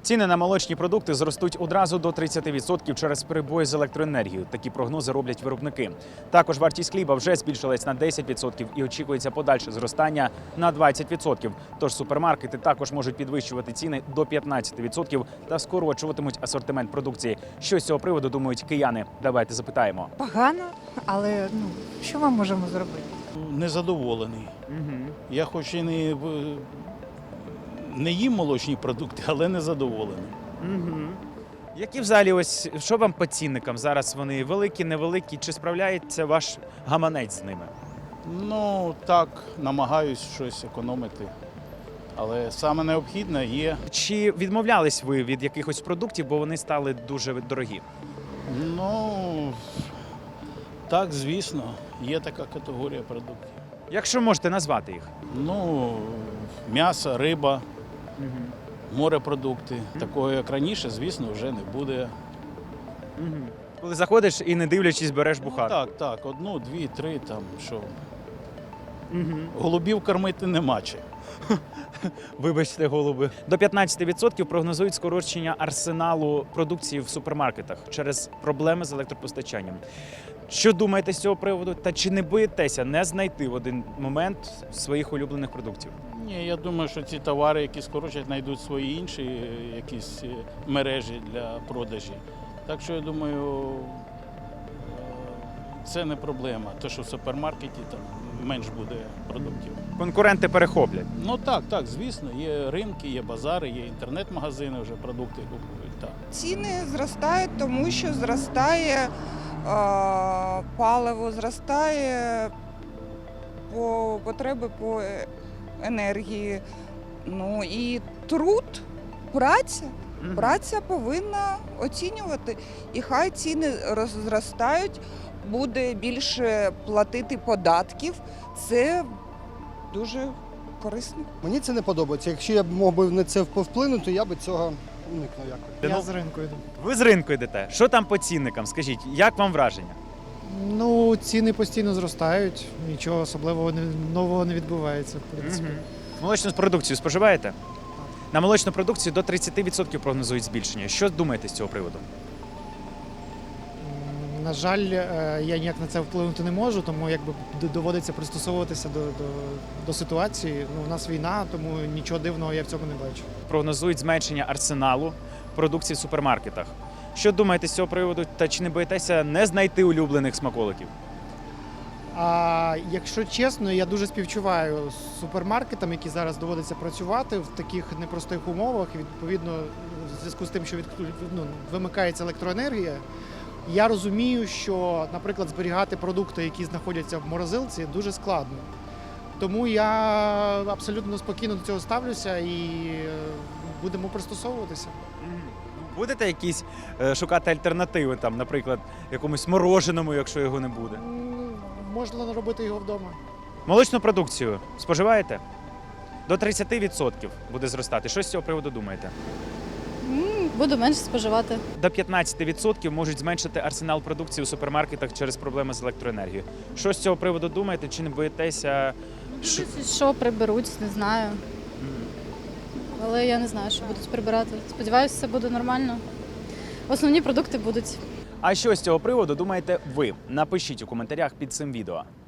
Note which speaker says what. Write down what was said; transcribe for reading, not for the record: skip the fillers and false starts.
Speaker 1: Ціни на молочні продукти зростуть одразу до 30% через перебої з електроенергією. Такі прогнози роблять виробники. Також вартість хліба вже збільшилась на 10% і очікується подальше зростання на 20%. Тож супермаркети також можуть підвищувати ціни до 15% та скорочуватимуть асортимент продукції. Що з цього приводу думають кияни? Давайте запитаємо.
Speaker 2: Погано, але що ми можемо зробити?
Speaker 3: Незадоволений. Я хоч і не їм молочні продукти, але незадоволений.
Speaker 1: Які взагалі ось що вам по цінникам? Зараз вони великі, невеликі? Чи справляється ваш гаманець з ними?
Speaker 3: Ну, так, намагаюсь щось економити. Але саме необхідне є.
Speaker 1: Чи відмовлялись ви від якихось продуктів, бо вони стали дуже дорогі?
Speaker 3: Ну, так, звісно, є така категорія продуктів.
Speaker 1: Якщо можете назвати їх.
Speaker 3: Ну, м'ясо, риба, морепродукти. Такого, як раніше, звісно, вже не буде.
Speaker 1: Коли заходиш і не дивлячись, береш бухар.
Speaker 3: Так, одну, дві, три, там, що. Голубів кормити нема чим.
Speaker 1: Вибачте, голуби. До 15% прогнозують скорочення арсеналу продукції в супермаркетах через проблеми з електропостачанням. Що думаєте з цього приводу? Та чи не боїтеся не знайти в один момент своїх улюблених продуктів?
Speaker 3: Ні, я думаю, що ці товари, які скорочать, знайдуть свої інші якісь мережі для продажі. Так що, я думаю, це не проблема. Те, що в супермаркеті там менш буде продуктів.
Speaker 1: Конкуренти перехоплять.
Speaker 3: Ну так, звісно, є ринки, є базари, є інтернет-магазини, вже продукти купують. Так.
Speaker 4: Ціни зростають, тому що зростає паливо, зростає потреби по енергії. Ну і труд, праця повинна оцінювати. І хай ціни зростають, буде більше платити податків. Це дуже корисно.
Speaker 5: Мені це не подобається. Якщо я б мог би на це повплинути, я б цього уникнув якось.
Speaker 6: Я з ринку йду.
Speaker 1: Ви з ринку йдете. Що там по цінникам? Скажіть, як вам враження?
Speaker 6: Ну, ціни постійно зростають, нічого особливого нового не відбувається, в принципі.
Speaker 1: Молочну продукцію споживаєте? На молочну продукцію до 30% прогнозують збільшення. Що думаєте з цього приводу?
Speaker 6: На жаль, я ніяк на це вплинути не можу, тому якби доводиться пристосовуватися до ситуації. Ну, у нас війна, тому нічого дивного я в цьому не бачу.
Speaker 1: Прогнозують зменшення арсеналу продукції в супермаркетах. Що думаєте з цього приводу? Та чи не боїтеся не знайти улюблених смаколиків?
Speaker 6: А якщо чесно, я дуже співчуваю супермаркетам, які зараз доводиться працювати в таких непростих умовах. І відповідно, в зв'язку з тим, що вимикається електроенергія, я розумію, що, наприклад, зберігати продукти, які знаходяться в морозилці, дуже складно. Тому я абсолютно спокійно до цього ставлюся і будемо пристосовуватися.
Speaker 1: Будете якісь шукати альтернативи, там, наприклад, якомусь мороженому, якщо його не буде?
Speaker 6: Можна робити його вдома.
Speaker 1: Молочну продукцію споживаєте? До 30% буде зростати. Що з цього приводу думаєте?
Speaker 7: Буду менше споживати.
Speaker 1: До 15% можуть зменшити арсенал продукції у супермаркетах через проблеми з електроенергією. Що з цього приводу думаєте? Чи не боїтеся?
Speaker 7: Що приберуть, не знаю. Але я не знаю, що будуть прибирати. Сподіваюся, все буде нормально. Основні продукти будуть.
Speaker 1: А що з цього приводу думаєте ви? Напишіть у коментарях під цим відео.